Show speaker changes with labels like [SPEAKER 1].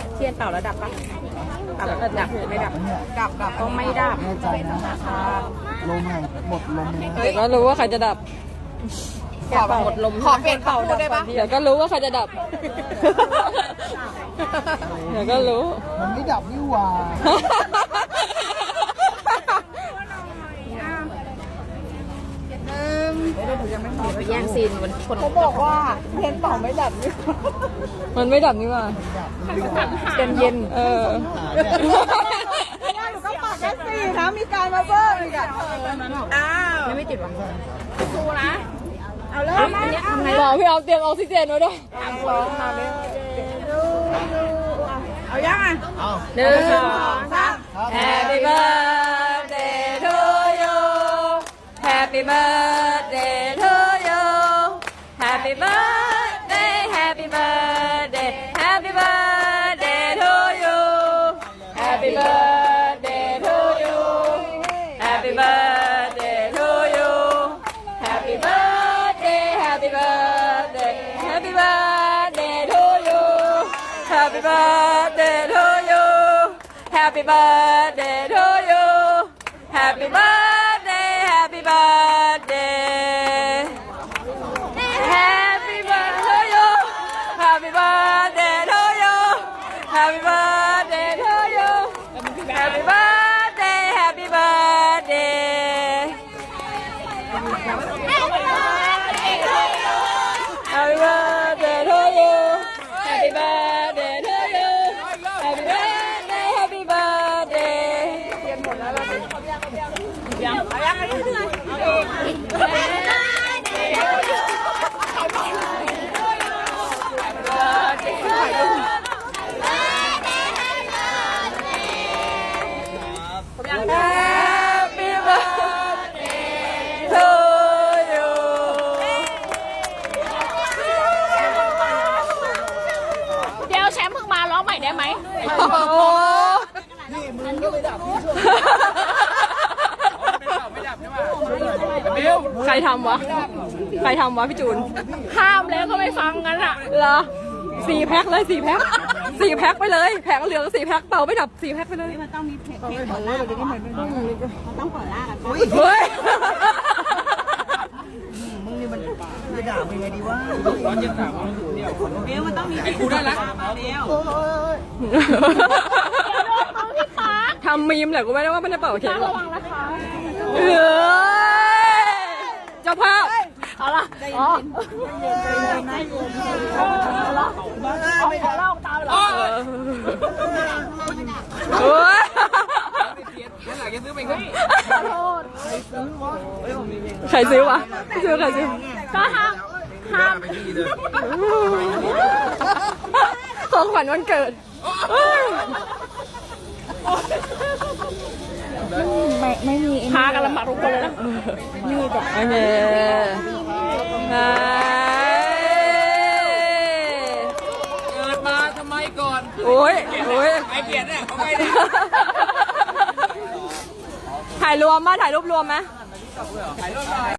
[SPEAKER 1] เทียนเป่าแล้วดับปะดับไม่ดับดับก็ไม่ดับ
[SPEAKER 2] แน่ใจนะลมหายหมดลมเลย
[SPEAKER 3] เดี๋ยวก็รู้ว่าใครจะดับ
[SPEAKER 1] ขอหมดลมขอเปลี่ยนเป่าได้ปะ
[SPEAKER 3] เดี๋ยวก็รู้ว่าใครจะดับ เดี๋ยวก็รู้
[SPEAKER 2] มันไม่ดับนี่หว่า
[SPEAKER 1] ไปแย่งซีนวันคน
[SPEAKER 2] เขาบอกว่าเทียนเป่าไม่ดับนี่
[SPEAKER 3] มันไม่ดับนี่หว่า
[SPEAKER 1] เย็นเย็น
[SPEAKER 3] เออ
[SPEAKER 2] หนูก็ปากแค่สี่นะมีการมาเพิ่มอีกอ่ะ
[SPEAKER 1] อ้าวไม่ติดหวังสู้นะเอาเลยทำไง
[SPEAKER 3] บอกพี่เอาเตรียมออกซิเจนไว้ด้วย
[SPEAKER 1] เอายังอ่ะ
[SPEAKER 2] เอา
[SPEAKER 1] หนึ่งสองสาม
[SPEAKER 3] Happy birthday to you Happy birthday to you Happy birthday Happy birthday Happy birthday to you Happy birthday to you Happy birthday to you Happy birthday Happy birthday Happy birthday to you Happy birthday to you Happy birthday to you Happy birthday Happy birthday Happy birthday to you Happy birthday to you Happy birthday to you Happy birthday Happy birthday Happy birthday to you Happy birthday to you Happy birthday Happy birthday
[SPEAKER 1] เดี๋ยวแชมป์เพิ่งมาร้องใหม่ได้ไหม
[SPEAKER 3] โอ้โห
[SPEAKER 2] นี่มึงก็ไม่ดับนี่
[SPEAKER 3] ใครทำวะ ใครทำวะพี่จูน
[SPEAKER 1] ห้ามแล้วก็ไม่ฟังกันอ่ะ
[SPEAKER 3] เหรอ4 แพ็คเลย4 แพ็ค4 แพ็คไปเลยแผงเหลือง4 แพ็คเป่าไม่ดับ4 แพ็คไปเลยมันต้องมีเพลงเปิดล่ากันต้องเปิดล่ากันเฮ้ย
[SPEAKER 2] มึงนี่มันจะด่ามึงไงดีวะ
[SPEAKER 3] ทำมีมแหละกูไม่ได้ว่าไม่ได้เป่าเค้กหรอกเจ้าภาพ
[SPEAKER 1] เอาละอ๋อขอเล่าตามเหรอ
[SPEAKER 3] โอ้ยใครซื้อวะใครซื้อ
[SPEAKER 1] ก็ห้าม
[SPEAKER 3] ของขวัญวันเกิด
[SPEAKER 1] พากันลำบากทุกคนเลยนะ
[SPEAKER 3] โอเคไป
[SPEAKER 4] เกิดมาทำไมก่อน
[SPEAKER 3] โอ้ย
[SPEAKER 4] ไอเกียรติเนี่ยเขาไม่ได้
[SPEAKER 3] ถ่ายรวมมาถ่ายรูปรวมไหม